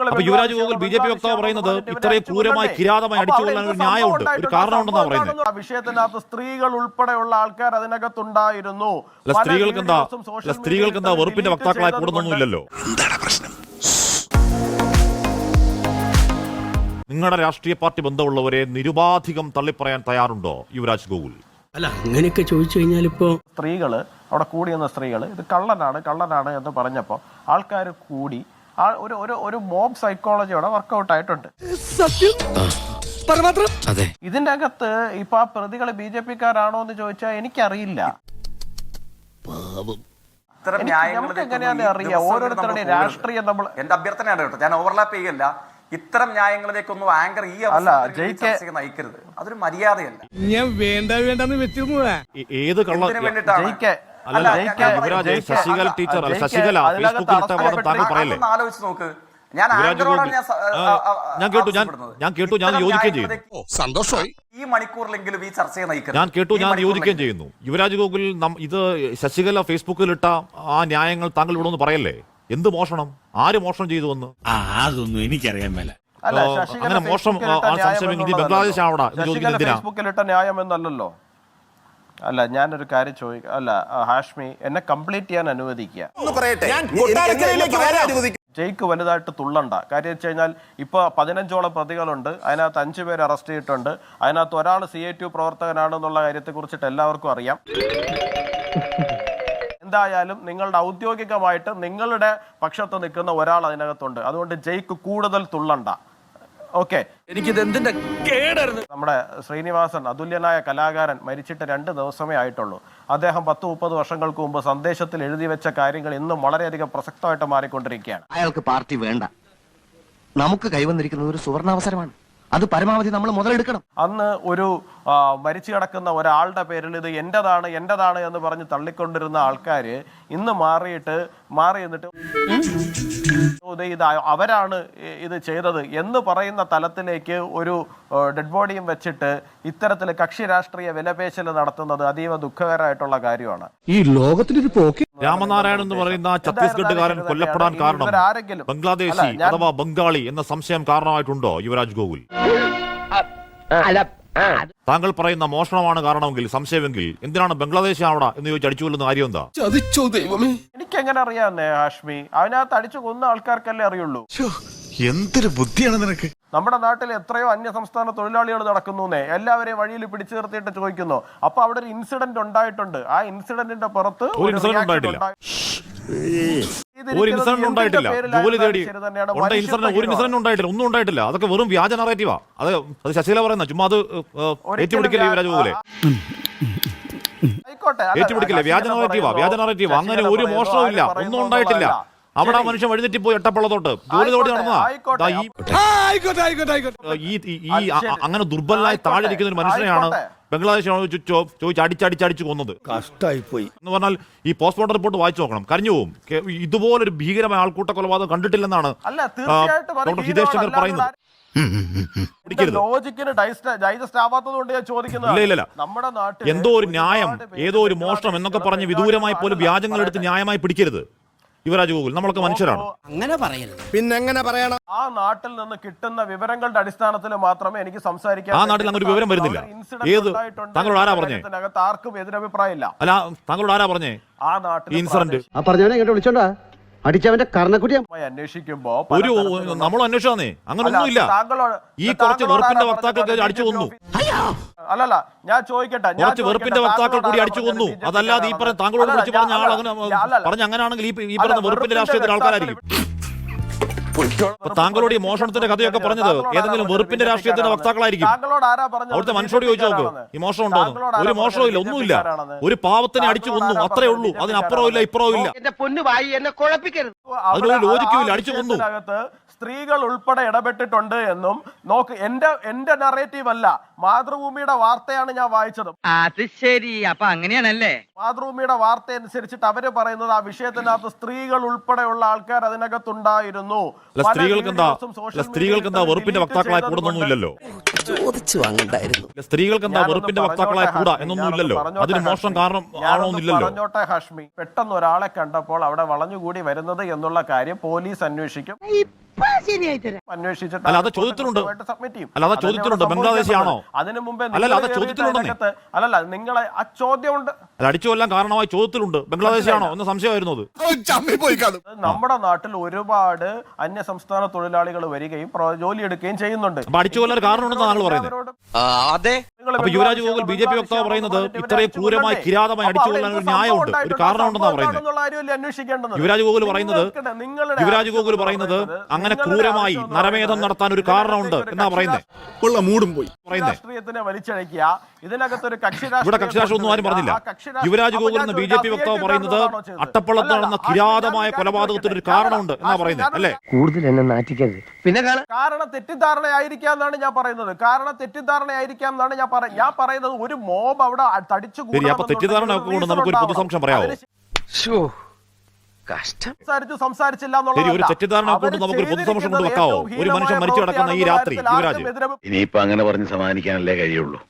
അപ്പൊ യുവരാജ് ഗോകുൽ ബി.ജെ.പി. വക്താവ് പറയുന്നത് ഇത്രയും ക്രൂരമായി കിരാതമായി അടിച്ചു കൊല്ലാൻ ഒരു ന്യായമുണ്ട്, ഒരു കാരണമുണ്ടെന്നാണ് പറയുന്നത്. വിഷയത്തിനകത്ത് സ്ത്രീകൾ ഉൾപ്പെടെയുള്ള ആൾക്കാർ അതിനകത്തുണ്ടായിരുന്നു. സ്ത്രീകൾക്ക് എന്താ വെറുപ്പിന്റെ വക്താക്കളായി കൂടുന്നൊന്നുമില്ലല്ലോ. എന്താണ് പ്രശ്നം? നിങ്ങളുടെ രാഷ്ട്രീയ പാർട്ടി ബന്ധമുള്ളവരെ നിരുപാധികം തള്ളിപ്പറയാൻ തയ്യാറുണ്ടോ യുവരാജ് ഗോകുൽ? അല്ല, അങ്ങനെയൊക്കെ ചോദിച്ചു കഴിഞ്ഞാൽ ഇപ്പോ സ്ത്രീകള് അവിടെ കൂടിയെന്ന സ്ത്രീകൾ ഇത് കള്ളനാണ് എന്ന് പറഞ്ഞപ്പോൾ ആൾക്കാർ കൂടി ഒരു മോബ് സൈക്കോളജി അവിടെ വർക്കൗട്ട് ആയിട്ടുണ്ട്. ഇതിന്റെ അകത്ത് ഇപ്പൊ ആ പ്രതികള് ബി.ജെ.പിക്കാരാണോ എന്ന് ചോദിച്ചാൽ എനിക്കറിയില്ല. നമുക്ക് എങ്ങനെയാന്ന് അറിയാം ഓരോരുത്തരുടെ രാഷ്ട്രീയം. നമ്മൾ എന്റെ അഭ്യർത്ഥനയാണ് കേട്ടോ, ഞാൻ ഓവർലാപ്പ് ചെയ്യല്ല. ഇത്തരം ന്യായങ്ങളിലേക്കൊന്നും ആങ്കർ ഈ അവസ്ഥ നയിക്കരുത്. അതൊരു മര്യാദയല്ല. ഞാൻ വേണ്ടെന്ന് വെച്ചിരുന്നു. ഏത് കള്ളത്തിന് വേണ്ടിയിട്ടാണ് ശശികല ടീച്ചർ ശശികല ഫേസ്ബുക്കിൽ ഇട്ട വാദം താങ്കൾ പറയല്ലേ? ആലോചിച്ച് നോക്ക്. ഞാൻ കേട്ടു, ഞാൻ യോജിക്കുകയും ചെയ്യുന്നു. സന്തോഷമായി. ഈ മണിക്കൂറിലെങ്കിലും ഈ ചർച്ചയെ നയിക്കണം. ഞാൻ കേട്ടു, ഞാൻ യോജിക്കുകയും ചെയ്യുന്നു. യുവരാജ് ഗോകുൽ ഇത് ശശികല ഫേസ്ബുക്കിൽ ഇട്ട ആ ന്യായങ്ങൾ താങ്കൾ ഇവിടെ ഒന്ന് പറയല്ലേ? എന്ത് മോഷണം, ആര് മോഷണം ചെയ്തു എന്ന്? അതൊന്നും എനിക്കറിയാൻ മേല. അങ്ങനെ മോഷണം സംശയമെങ്കിൽ ബംഗ്ലാദേശ് ആവടാ ഫേസ്ബുക്കിലിട്ട ന്യായം എന്നല്ലോ. അല്ല, ഞാനൊരു കാര്യം ചോദിക്കാം. അല്ല ഹാഷ്മി, എന്നെ കംപ്ലീറ്റ് ചെയ്യാൻ അനുവദിക്കുക. ജയ്ക്ക് വലുതായിട്ട് തുള്ളണ്ട. കാര്യം വെച്ച് കഴിഞ്ഞാൽ ഇപ്പൊ 15ഓളം പ്രതികളുണ്ട്. അതിനകത്ത് 5 പേര് അറസ്റ്റ് ചെയ്തിട്ടുണ്ട്. അതിനകത്ത് ഒരാൾ CITU പ്രവർത്തകനാണെന്നുള്ള കാര്യത്തെ കുറിച്ചിട്ട് എല്ലാവർക്കും അറിയാം. എന്തായാലും നിങ്ങളുടെ ഔദ്യോഗികമായിട്ട് നിങ്ങളുടെ പക്ഷത്ത് നിൽക്കുന്ന ഒരാൾ അതിനകത്തുണ്ട്. അതുകൊണ്ട് ജയ്ക്ക് കൂടുതൽ തുള്ളണ്ട. ഓക്കെ, നമ്മുടെ ശ്രീനിവാസൻ അതുല്യനായ കലാകാരൻ മരിച്ചിട്ട് 2 ദിവസമേ ആയിട്ടുള്ളൂ. അദ്ദേഹം 10-30 വർഷങ്ങൾക്ക് മുമ്പ് സന്ദേശത്തിൽ എഴുതി വെച്ച കാര്യങ്ങൾ ഇന്നും വളരെയധികം പ്രസക്തമായിട്ട് മാറിക്കൊണ്ടിരിക്കുകയാണ്. അയാൾക്ക് പാർട്ടി വേണ്ട. നമുക്ക് കൈവന്നിരിക്കുന്നത് ഒരു സുവർണാവസരമാണ്. അത് പരമാവധി നമ്മൾ മുതലെടുക്കണം. അന്ന് ഒരു മരിച്ചു കിടക്കുന്ന ഒരാളുടെ പേരിൽ ഇത് എന്റേതാണ് എന്ന് പറഞ്ഞ് തള്ളിക്കൊണ്ടിരുന്ന ആൾക്കാര് ഇന്ന് മാറി എന്നിട്ട് ഇത് അവരാണ് ഇത് ചെയ്തത് എന്ന് പറയുന്ന തലത്തിലേക്ക് ഒരു ഡെഡ് ബോഡിയും വെച്ചിട്ട് ഇത്തരത്തിൽ കക്ഷി രാഷ്ട്രീയ വിലപേശൽ നടത്തുന്നത് അതീവ ദുഃഖകരമായിട്ടുള്ള കാര്യമാണ്. ഈ ലോകത്തിലൊരു പോക്ക്. രാമനാരായണൻ എന്ന് പറയുന്ന ഛത്തീസ്ഗഡുകാരൻ കൊല്ലപ്പെടാൻ കാരണം ബംഗ്ലാദേശി അഥവാ ബംഗാളി എന്ന സംശയം കാരണമായിട്ടുണ്ടോ യുവരാജ് ഗോകുൽ? താങ്കൾ പറയുന്ന മോഷണമാണ് കാരണമെങ്കിൽ, സംശയമെങ്കിൽ എന്തിനാണ് ബംഗ്ലാദേശ് ആവട എന്ന് ചോദിച്ച് അടിച്ചു കൊല്ലുന്ന കാര്യം എന്താ? എനിക്കെങ്ങനെ അറിയാന്നേ ഹാഷ്മി? അതിനകത്ത് അടിച്ചു കൊന്ന ആൾക്കാർക്കല്ലേ അറിയുള്ളൂ. എന്തൊരു ബുദ്ധിയാണ് നിനക്ക്. നമ്മുടെ നാട്ടിൽ എത്രയോ അന്യസംസ്ഥാന തൊഴിലാളികൾ നടക്കുന്നു. എല്ലാവരെയും വഴിയിൽ പിടിച്ചു നിർത്തിയിട്ട് ചോദിക്കുന്നു. അപ്പൊ അവിടെ ഒരു ഇൻസിഡന്റ് ഉണ്ടായിട്ടുണ്ട്. ആ ഇൻസിഡന്റിന്റെ പുറത്ത് ഒരു ഇൻസിഡന്റ് ഉണ്ടായിട്ടില്ല. ജോലി തേടി ഒരു ഇൻസിഡന്റ് ഉണ്ടായിട്ടില്ല, ഒന്നും ഉണ്ടായിട്ടില്ല. അതൊക്കെ വെറും വ്യാജ നറേറ്റീവാ. അത് ശശികല പറയുന്ന ചുമ്മാ അത് ഏറ്റുപിടിക്കില്ല യുവരാജ് ഗോകുലെ. ഏറ്റുപിടിക്കില്ല, വ്യാജ നറേറ്റീവാ. അങ്ങനെ ഒരു മോഷണവും ഇല്ല, ഒന്നും ഉണ്ടായിട്ടില്ല. അവിടെ ആ മനുഷ്യൻ വഴിതെറ്റിപ്പോയി എട്ടപ്പള്ളത്തോട്ട് ജോലി തോടി നടന്നതാ. അങ്ങനെ ദുർബലനായി താഴെ ഇരിക്കുന്ന ഒരു മനുഷ്യനെയാണ് ബംഗ്ലാദേശിനോട് ചോദിച്ച് അടിച്ചടിച്ച് കൊന്നത്. കഷ്ടായിപ്പോയി എന്ന് പറഞ്ഞാൽ ഈ പോസ്റ്റ്മോർട്ടം റിപ്പോർട്ട് വായിച്ചു നോക്കണം, കരഞ്ഞു പോകും. ഇതുപോലൊരു ഭീകരമായ ആൾക്കൂട്ട കൊലപാതകം കണ്ടിട്ടില്ലെന്നാണ് ഡോക്ടർ ഹിതേഷ് ശങ്കർ പറയുന്നത്. എന്തോ ഒരു ന്യായം, ഏതോ ഒരു മോഷണം എന്നൊക്കെ പറഞ്ഞ് വിദൂരമായി പോലും വ്യാജങ്ങൾ എടുത്ത് ന്യായമായി പിടിക്കരുത് യുവരാജ് ഗോകുൽ. നമ്മളൊക്കെ മനുഷ്യരാണ്. അങ്ങനെ പറയരുത്. പിന്നെ എങ്ങനെ പറയണം? ആ നാട്ടിൽ നിന്ന് കിട്ടുന്ന വിവരങ്ങളുടെ അടിസ്ഥാനത്തിൽ മാത്രമേ എനിക്ക് സംസാരിക്കാൻ. ആ നാട്ടിൽ അങ്ങനെ ഒരു വിവരം വരുന്നില്ല. ഏത് താങ്കളോട് ആരാ പറഞ്ഞേ? ആർക്കും എതിരഭിപ്രായമില്ല. അല്ല, താങ്കളോട് ആരാ പറഞ്ഞേ ആ നാട്ടിൽ ഇൻസിഡന്റ്? വിളിച്ചോണ്ടാ അടിച്ചവന്റെ കർണക്കുട്ടി അന്വേഷിക്കുമ്പോ നമ്മൾ അന്വേഷിച്ചാന്നേ അങ്ങനെ ഒന്നുമില്ല. ഈ കുറച്ച് വെറുപ്പിന്റെ വക്താക്കൾക്ക് അടിച്ചു കൊന്നു. അല്ലല്ല, ഞാൻ ചോദിക്കട്ടെ, കുറച്ച് വെറുപ്പിന്റെ വക്താക്കൾ കൂടി അടിച്ചു കൊന്നു. അതല്ലാതെ ഈ പറഞ്ഞ താങ്കളോട് വിളിച്ച് പറഞ്ഞ ആൾ അങ്ങനെ പറഞ്ഞ അങ്ങനെയാണെങ്കിൽ ഈ പറഞ്ഞ വെറുപ്പിന്റെ രാഷ്ട്രീയത്തിന് ആൾക്കാരായിരിക്കും. താങ്കളോട് ഈ മോഷണത്തിന്റെ കഥയൊക്കെ പറഞ്ഞത് ഏതെങ്കിലും വെറുപ്പിന്റെ രാഷ്ട്രീയത്തിന്റെ വക്താക്കളായിരിക്കും. അവിടുത്തെ മനുഷ്യരോട് ചോദിച്ചു നോക്ക്, ഈ മോഷണം ഉണ്ടോന്ന്. ഒരു മോഷണവും ഇല്ല, ഒന്നുമില്ല. ഒരു പാവത്തിനെ അടിച്ചു കൊന്നു, അത്രേ ഉള്ളൂ. അതിനപ്പുറവും ഇല്ല, ഇപ്പുറവും ഇല്ല. അതിനൊരു ലോജിക്കുമില്ല, അടിച്ചു കൊന്നു. സ്ത്രീകൾ ഉൾപ്പെടെ ഇടപെട്ടിട്ടുണ്ട് എന്നും നോക്ക്. എന്റെ നറേറ്റീവ് അല്ല, മാതൃഭൂമിയുടെ വാർത്തയാണ് ഞാൻ വായിച്ചത്. അത് ശരി, അപ്പൊ അങ്ങനെയാണല്ലേ. മാതൃഭൂമിയുടെ വാർത്ത അനുസരിച്ചിട്ട് അവര് പറയുന്നത് ആ വിഷയത്തിനകത്ത് സ്ത്രീകൾ ഉൾപ്പെടെയുള്ള ആൾക്കാർ അതിനകത്തുണ്ടായിരുന്നു. സ്ത്രീകൾക്ക് എന്താ വെറുപ്പിന്റെ വക്താക്കളായി കൂടുന്നൊന്നുമില്ലല്ലോ. ചോദിച്ചു വാങ്ങണ്ടായിരുന്നു. സ്ത്രീകൾക്ക് എന്താ വെറുപ്പിന്റെ വക്താക്കളായ കൂടാ എന്നൊന്നുമില്ലല്ലോ. അതിന് മോഷണം കാരണം ആണോന്നില്ലല്ലോ. പറഞ്ഞോട്ടെ ഹാഷ്മി, പെട്ടെന്ന് ഒരാളെ കണ്ടപ്പോൾ അവിടെ വളഞ്ഞുകൂടി വരുന്നത് എന്നുള്ള കാര്യം പോലീസ് അന്വേഷിക്കും. അല്ല, അത് ചോദ്യത്തിലുണ്ട്. അല്ല, അത് ചോദ്യത്തിലുണ്ട്. ബംഗ്ലാദേശിയാണോ? അതിനു മുമ്പേ അല്ലല്ല, അത് ചോദ്യത്തിലുണ്ടെന്നേ. അല്ലല്ല, നിങ്ങളെ ആ ചോദ്യമുണ്ട്. അല്ല, അടിച്ചു കൊല്ലാൻ കാരണമായി ചോദ്യത്തിലുണ്ട്. ബംഗ്ലാദേശിയാണോ എന്ന് സംശയമായിരുന്നു. നമ്മുടെ നാട്ടിൽ ഒരുപാട് അന്യ സംസ്ഥാന തൊഴിലാളികൾ വരികയും ജോലിയെടുക്കുകയും ചെയ്യുന്നുണ്ട്. അപ്പൊ അടിച്ചു കൊല്ലാൻ കാരണമുണ്ടെന്ന് താങ്കൾ പറയുന്നത്. അപ്പൊ യുവരാജ് ഗോകുൽ ബി.ജെ.പി. വക്താവ് പറയുന്നത് ഇത്രയും ക്രൂരമായി കിരാതമായി അടിച്ചു കൊല്ലാൻ ഒരു ന്യായമുണ്ട്, ഒരു കാരണമുണ്ടെന്നാണ് പറയുന്നത്. യുവരാജ് ഗോകുൽ പറയുന്നത് അങ്ങനെ ക്രൂരമായി നരമേധം നടത്താൻ ഒരു കാരണമുണ്ട് എന്നാ പറയുന്നത്. മൂടും പോയി രാഷ്ട്രീയത്തിനെ വലിച്ചഴക്കുക. ഇതിനകത്തൊരു ഇവിടെ കക്ഷി രാഷ്ട്രീയം ഒന്നും ആരും പറഞ്ഞില്ല. യുവരാജ് ഗോകുൽ എന്ന ബി.ജെ.പി. വക്താവ് പറയുന്നത് അട്ടപ്പള്ളത്ത് നടന്ന കിരാതമായ കൊലപാതകത്തിന് ഒരു കാരണമുണ്ട് എന്നാ പറയുന്നത്. അല്ലേ? കൂടുതൽ എന്നെ നാറ്റിക്കരുത്. പിന്നെ കാരണം തെറ്റിദ്ധാരണയായിരിക്കാം എന്നാണ് ഞാൻ പറയുന്നത്. ഞാൻ പറയുന്നത് ഒരു മോബ് അവിടെ തടിച്ചു അപ്പൊ തെറ്റിദ്ധാരണ ഒക്കെ കൊണ്ട് നമുക്കൊരു പൊതുസംശയം പറയാമോ? സംസാരിച്ചില്ല ഒരു തെറ്റിദ്ധാരണ കൊണ്ട് നമുക്കൊരു പൊതുസംശയം കൊണ്ട് വെക്കാവോ? ഒരു മനുഷ്യൻ മരിച്ചു കിടക്കുന്ന ഈ രാത്രി യുവരാജ് ഇനിയിപ്പോ അങ്ങനെ പറഞ്ഞ് സമാധാനിക്കാനല്ലേ കഴിയുള്ളൂ.